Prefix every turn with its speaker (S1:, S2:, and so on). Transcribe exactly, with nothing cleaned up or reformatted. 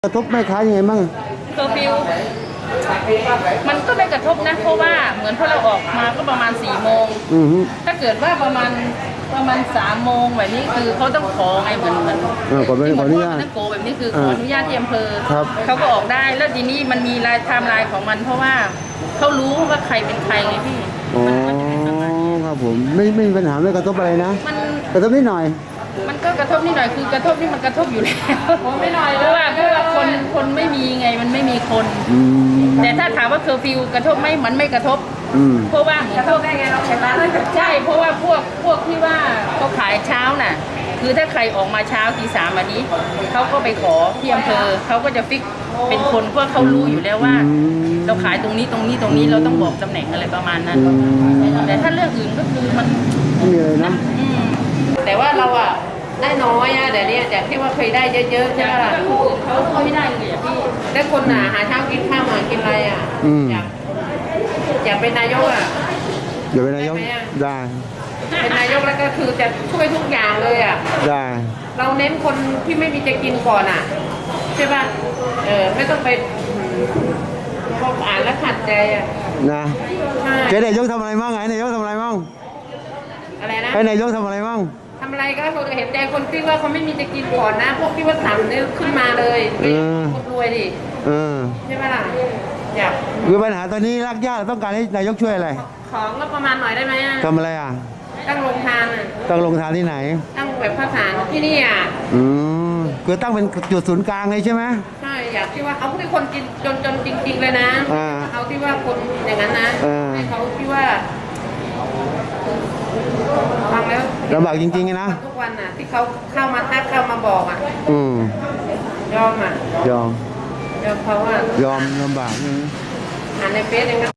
S1: กระทบแม่ค้ายังไงบ้าง
S2: เคอร์ฟิวมันก็ไม่กระทบนะเพราะว่าเหมือนพอเราออกมาก็ประมาณสี่โมงถ้าเกิดว่าประมาณประมาณสามโมงแบบนี้คือเขาต้องขอไงเหมือนเหมือน
S1: ขอขออนุญาต
S2: นักโกแบบนี้คือขออนุญาตที่อำเภอ
S1: ครับ
S2: เขาก็ออกได้แล้วทีนี้มันมีลายไทม์ไลน์ของมัน เพราะว่าเขารู้ว่าใครเป็นใครไงพี่
S1: อ๋อครับผมไม่ไม่มีปัญหาไม่กระทบอะไรนะ
S2: มัน
S1: กระทบนิดหน่อย
S2: มันก็กระทบนิดหน่อยคือกระทบนี่มันกระทบอยู่แล้วไม่หน่อยเพราะว่าเพราะว่าคนคนไม่มีไงมันไม่มีคนแต่ถ้าถามว่าเคอร์ฟิวกระทบไหมมันไม่กระทบเพราะว่าเหมือนพวกได้ไงเราใช่ไหมใช่เพราะว่าพวกพวกที่ว่าเขาขายเช้าน่ะคือถ้าใครออกมาเช้าตีสามอันนี้เขาก็ไปขอที่อำเภอเขาก็จะฟิกเป็นคนเพราะเขารู้อยู่แล้วว่าเราขายตรงนี้ตรงนี้ตรงนี้เราต้องบอกตำแหน่งอะไรประมาณนั้นแต่ถ้าเรื่องอื่นก็คือมัน
S1: ไม่มีอะไรนะ
S3: แต่ว่าเราอะได้น้อยอะเดี๋ยวนี้จากที่ว่าเคยได้เยอะๆใช่ไหมล่ะ
S2: เขาเขาไม่ได้เลยพี่
S3: แต่คนหนาหาเช้ากินข้าวมากินอะไรอะอยากอยากเป็นนายกอะ
S1: อยากเป็นนายกได้
S3: เป็นนายกแล้วก็คือจะช่วยทุกอย่างเลยอะ
S1: ได้
S3: เราเน้นคนที่ไม่มีจะกินก่อนอะใช่ป่ะเออไม่ต้องไปพออ่านแล้วขัดใจอะ
S1: นะแกนายกทำอะไรบ้างไงนายกทำอะไรบ้าง
S3: อะไรนะ
S1: ให้นายกทำอะไรบ้าง
S3: ทำอะไรก็เขาเห็นใจคนที่ว่าเขาไม่มีจะกินก่อนนะพวกที่ว่าสั่งเนี่ยขึ้นมาเลยคนรวยดิใช่ไหมล่ะอยาก
S1: คือปัญหาตอนนี้รักญาติต้องการให้นายกช่วยอะไร
S3: ของก็ประมาณหน่อยได้ไหม
S1: ทำอะไรอ่ะ
S3: ตั้งโรงทานอ่ะ
S1: ตั้งโรงทานที่ไหน
S3: ตั้งแบบข้าวสารที่นี่อ่ะ
S1: อืมคือตั้งเป็นจุดศูนย์กลางเลยใช่ไหม
S3: ใช่อยากที่ว่าเอาที่คนกินจนจนจริงๆเลยนะเอาที่ว่าคนอย่างนั้นนะให้เขาที่ว่าฟังแล้ว
S1: ลำบากจริงๆนะ
S3: ทุกวันน่ะที่เขาเข้ามาทักเข้ามาบอกอ่ะ
S1: อืม
S3: ยอมอ่ะ
S1: ยอม
S3: ยอมเขาอ่ะ
S1: ยอมลำบาก
S3: อ่านในเฟซเอง